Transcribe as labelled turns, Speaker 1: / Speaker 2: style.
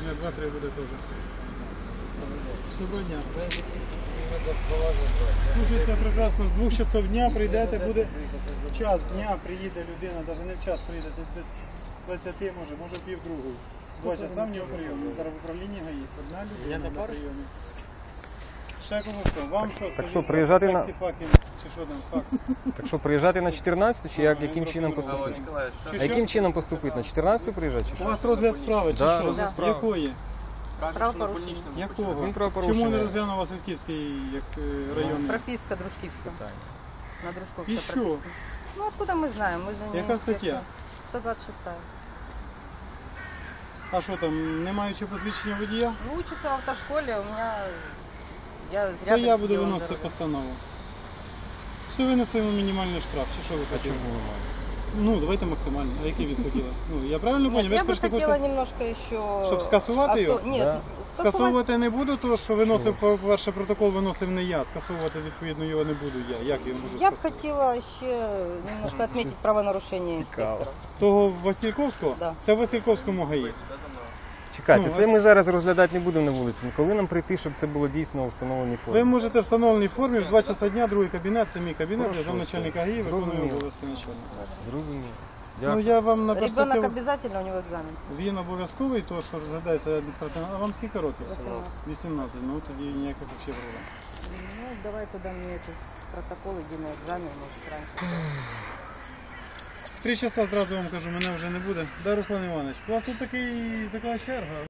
Speaker 1: дня 2-3 буде теж. Доброго дня. Слушайте прекрасно, з 2 часов дня прийдете, буде час дня, приїде людина, навіть не в час приїде, десь без 20 може пів другої. 2 часа в нього прийом. Зараз в управлінні ГАІ. Одна людина на прийомі. Ще кому що? Вам що?
Speaker 2: Так що, приїжджати на...
Speaker 1: Чи що там, факс?
Speaker 2: Так що, приїжджати на 14 чи яким чином поступити? А яким чином поступити? На 14 приїжджати чи
Speaker 1: У
Speaker 2: що?
Speaker 1: вас розгляд справи, чи
Speaker 2: Да,
Speaker 1: що?
Speaker 2: розгляд справи.
Speaker 1: Якої?
Speaker 3: Правопорушення.
Speaker 1: Якого?
Speaker 2: Він правопорушення.
Speaker 1: Чому не розглянув Васильківський як районний?
Speaker 3: Прописка Дружківська. На Дружковской
Speaker 1: І що?
Speaker 3: прописана. Ну откуда мы знаем? Мы же не
Speaker 1: Яка
Speaker 3: инспектор.
Speaker 1: стаття?
Speaker 3: 126.
Speaker 1: А що там, не маючи посвідчення водія?
Speaker 3: Ну, учится в автошколе, у меня... Я
Speaker 1: Це
Speaker 3: рядом
Speaker 1: я буду
Speaker 3: сидела на
Speaker 1: виносити
Speaker 3: дороге.
Speaker 1: постанову. Все винесемо мінімальний штраф, чи що ви хотіли? Ну, давайте максимально. А який від хотіли? Ну, я правильно
Speaker 3: Нет,
Speaker 1: поняв?
Speaker 3: я бы
Speaker 1: скажете,
Speaker 3: хотела
Speaker 1: хочете-
Speaker 3: немножко еще...
Speaker 1: Щоб скасувати його?
Speaker 3: Нет,
Speaker 2: Да.
Speaker 3: скасовать...
Speaker 1: Скасовувати не буду, тому що виносив, по-перше, протокол виносив не я. Скасовувати, відповідно, його не буду я. Як я можу
Speaker 3: Я бы
Speaker 1: скасувати?
Speaker 3: хотела еще немножко отметить правонарушение
Speaker 2: Цікаво.
Speaker 3: инспектора.
Speaker 1: Того Васильковського?
Speaker 3: Да.
Speaker 1: Це в Васильковському ГАІ.
Speaker 2: Чекайте,
Speaker 1: Ну,
Speaker 2: це ми зараз розглядати не будемо на вулиці. Коли нам прийти, щоб це було дійсно у встановленій
Speaker 1: Ви
Speaker 2: формі?
Speaker 1: можете в встановленій формі в 2 часа дня, другий кабінет, це мій кабінет, я
Speaker 2: Хорошо,
Speaker 1: замначальника
Speaker 2: все.
Speaker 1: ГАІ, виконую
Speaker 2: Зрозуміло.
Speaker 1: обов'язки начальника.
Speaker 2: Зрозуміло.
Speaker 1: Ну,
Speaker 2: Дякую.
Speaker 1: я вам на
Speaker 3: Ребенок
Speaker 1: перспективу...
Speaker 3: обязательно, у него экзамен.
Speaker 1: Він обов'язковий, то що розглядається адміністративно. А вам скільки років?
Speaker 3: 18.
Speaker 1: 18. Ну тоді ніяких взагалі проблем.
Speaker 3: Ну, давай тогда мне этот протокол, иди на экзамен, может, раньше.
Speaker 1: 3 часа зразу вам кажу, мене вже не буде. Да, Руслан Іванович, у вас тут така черга.